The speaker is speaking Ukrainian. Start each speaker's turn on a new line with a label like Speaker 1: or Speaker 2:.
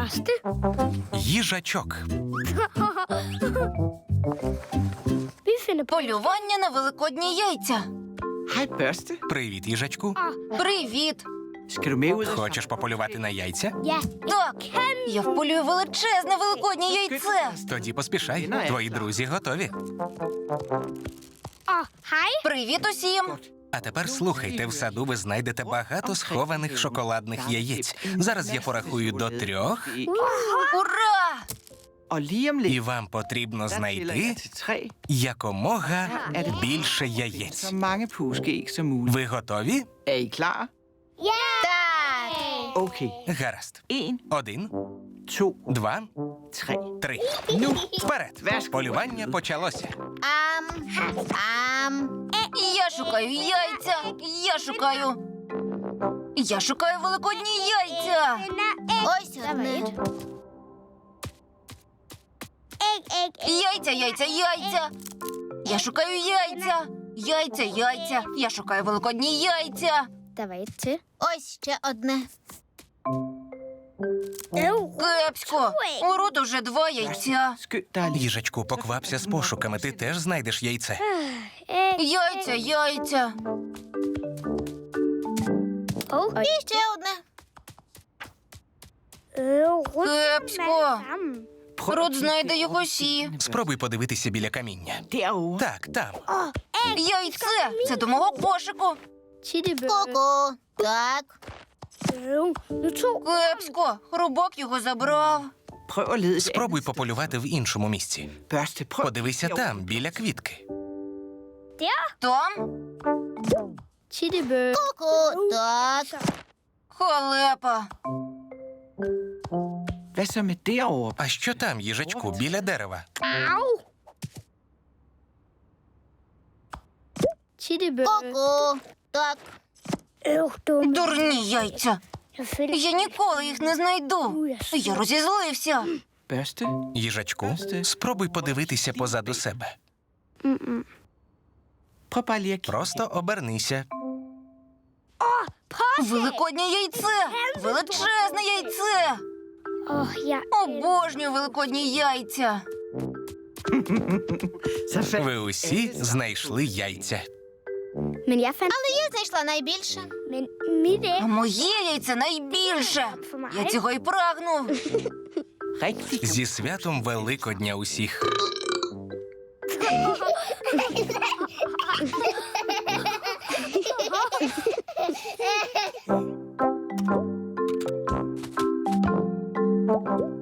Speaker 1: Пасти?
Speaker 2: Їжачок.
Speaker 3: Полювання на великодні яйця.
Speaker 4: Hej, Børste.
Speaker 2: Привіт, їжачку.
Speaker 3: Привіт.
Speaker 4: Skal du med ud og...
Speaker 2: Хочеш пополювати на яйця?
Speaker 3: Так, я вполюю величезне великоднє яйце.
Speaker 2: Тоді поспішай. Твої друзі готові.
Speaker 3: Привіт усім.
Speaker 2: А тепер слухайте, в саду ви знайдете багато схованих шоколадних яєць. Зараз я порахую до 3,
Speaker 3: Ура!
Speaker 4: Og lige om lidt,
Speaker 2: і вам потрібно
Speaker 4: der tæller jeg
Speaker 2: знайти
Speaker 4: til 3.
Speaker 2: якомога більше яєць.
Speaker 4: Så mange påskeæg som muligt.
Speaker 2: Ви готові?
Speaker 4: Er I klar?
Speaker 3: Так.
Speaker 4: Okay.
Speaker 2: Гаразд.
Speaker 4: 1,
Speaker 2: 1,
Speaker 4: 2,
Speaker 2: 2,
Speaker 4: 3.
Speaker 2: 3. Вперед! Полювання почалося.
Speaker 3: Я шукаю яйця. Я шукаю великодні яйця. Ось одне. Яйця. Я шукаю яйця. Яйця. Я шукаю великодні яйця.
Speaker 1: Давайте.
Speaker 3: Ось ще одне. Кепсько. У Рут уже 2 яйця.
Speaker 4: Skynd dig lige.
Speaker 2: Їжачку, поквапся з пошуками, ти теж знайдеш яйце.
Speaker 3: Яйця. І ще одне. Кепсько. Рут знайде їх усі.
Speaker 2: Спробуй подивитися біля каміння.
Speaker 4: Derovre.
Speaker 2: Так, там.
Speaker 3: Яйце. Це до мого кошику. Ку-ку. Так. Кепсько. Рубок його забрав.
Speaker 4: Prøv at lede et
Speaker 2: Спробуй
Speaker 4: andet
Speaker 2: пополювати в іншому місці.
Speaker 4: sted. Børste, prøv.
Speaker 2: Подивися
Speaker 4: derovre.
Speaker 2: там, біля квітки.
Speaker 3: Там? Ку-ку. Так. Халепа.
Speaker 4: Hvad så med derovre?
Speaker 2: А що там, їжачку, біля дерева?
Speaker 3: Ку-ку. Так. Дурні яйця. Я ніколи їх не знайду. Я розізлився.
Speaker 4: Børste.
Speaker 2: Їжачку, спробуй подивитися позаду себе.
Speaker 4: Prøv bare lige at kigge.
Speaker 2: Просто обернися.
Speaker 3: Великоднє яйце. Величезне яйце. Обожнюю великодні яйця.
Speaker 4: Så fandt
Speaker 2: Ви усі знайшли яйця.
Speaker 1: Men jeg fandt...
Speaker 3: Але я знайшла найбільше.
Speaker 1: Men mit æg
Speaker 3: А моє яйце найбільше.
Speaker 1: for mig.
Speaker 3: Я цього і прагну.
Speaker 4: rigtig
Speaker 2: Зі святом Великодня усіх.
Speaker 1: Thank you.